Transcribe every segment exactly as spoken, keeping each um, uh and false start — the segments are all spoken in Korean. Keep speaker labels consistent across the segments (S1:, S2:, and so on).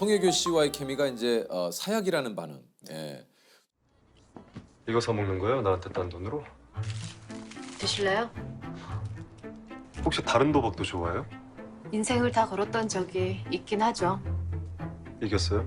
S1: 송혜교 씨와의 케미가 이제 어, 사약이라는 반응. 예.
S2: 이거 사 먹는 거예요? 나한테 딴 돈으로?
S3: 드실래요?
S2: 혹시 다른 도박도 좋아해요?
S3: 인생을 다 걸었던 적이 있긴 하죠.
S2: 이겼어요?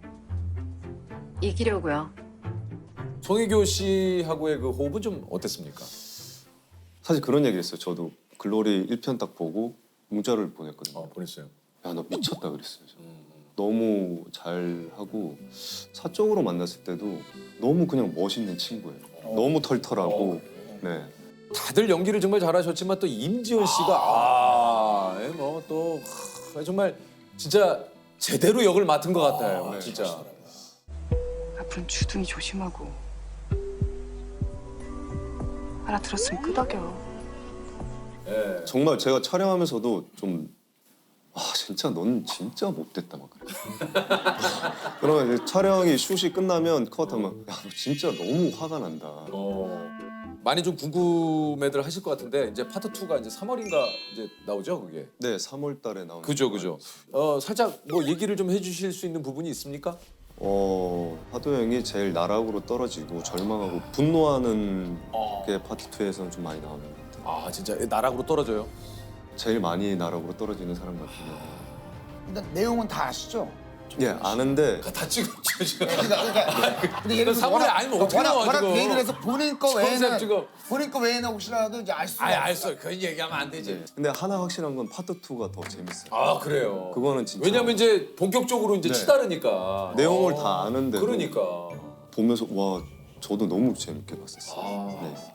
S3: 이기려고요.
S1: 송혜교 씨하고의 그 호흡은 좀 어땠습니까?
S4: 사실 그런 얘기 했어요. 저도 글로리 일 편 딱 보고 문자를 보냈거든요.
S1: 어, 보냈어요.
S4: 야, 너 미쳤다 그랬어요. 저.
S1: 음.
S4: 너무 잘하고 사적으로 만났을 때도 너무 그냥 멋있는 친구예요. 너무 털털하고 네.
S1: 다들 연기를 정말 잘하셨지만 또 임지원 씨가 아, 뭐또 정말 진짜 제대로 역을 맡은 것 같아요.
S4: 네.
S1: 진짜.
S5: 앞으로는 주둥이 조심하고 알아들었으면 끄덕여.
S1: 예.
S4: 정말 제가 촬영하면서도 좀 아, 진짜 넌 진짜 못됐다 막 그래. 그러면 이제 촬영이 슛이 끝나면 컷하면 야, 너 진짜 너무 화가 난다.
S1: 어. 많이 좀 궁금해들 하실 것 같은데 이제 파트 이가 이제 삼월인가 이제 나오죠, 그게.
S4: 네, 삼월 달에 나오는
S1: 그죠, 그죠. 어, 살짝 뭐 얘기를 좀 해주실 수 있는 부분이 있습니까?
S4: 어, 하도 형이 제일 나락으로 떨어지고 절망하고 분노하는 게 파트 이에서는 좀 많이 나오는 것 같아요.
S1: 아, 진짜 나락으로 떨어져요.
S4: 제일 많이 나락으로 떨어지는 사람 같은데.
S6: 일단 내용은 다 아시죠?
S4: 예, 아는데
S1: 다 찍었죠, 지금.
S6: 그러니까, 그러니까 근데 예를 들어서
S1: 사물에
S6: 워낙-
S1: 아니면 어떻게
S6: 워낙,
S1: 나와,
S6: 워낙
S1: 지금.
S6: 대입을 해서 본인 거
S1: 컨셉
S6: 외에는
S1: 지금.
S6: 본인 거 외에는 혹시라도 이제 알 수가
S1: 아예
S6: 없어요.
S1: 알았어요. 그런 얘기하면 안 되지.
S4: 근데 하나 확실한 건 파트 이가 더 재밌어요.
S1: 아, 그래요.
S4: 그거는 진짜
S1: 왜냐면 이제 본격적으로 이제
S4: 네.
S1: 치다르니까.
S4: 내용을
S1: 어.
S4: 다 아는데도
S1: 그러니까.
S4: 보면서 와 저도 너무 재밌게 봤었어요.
S1: 아.
S4: 네.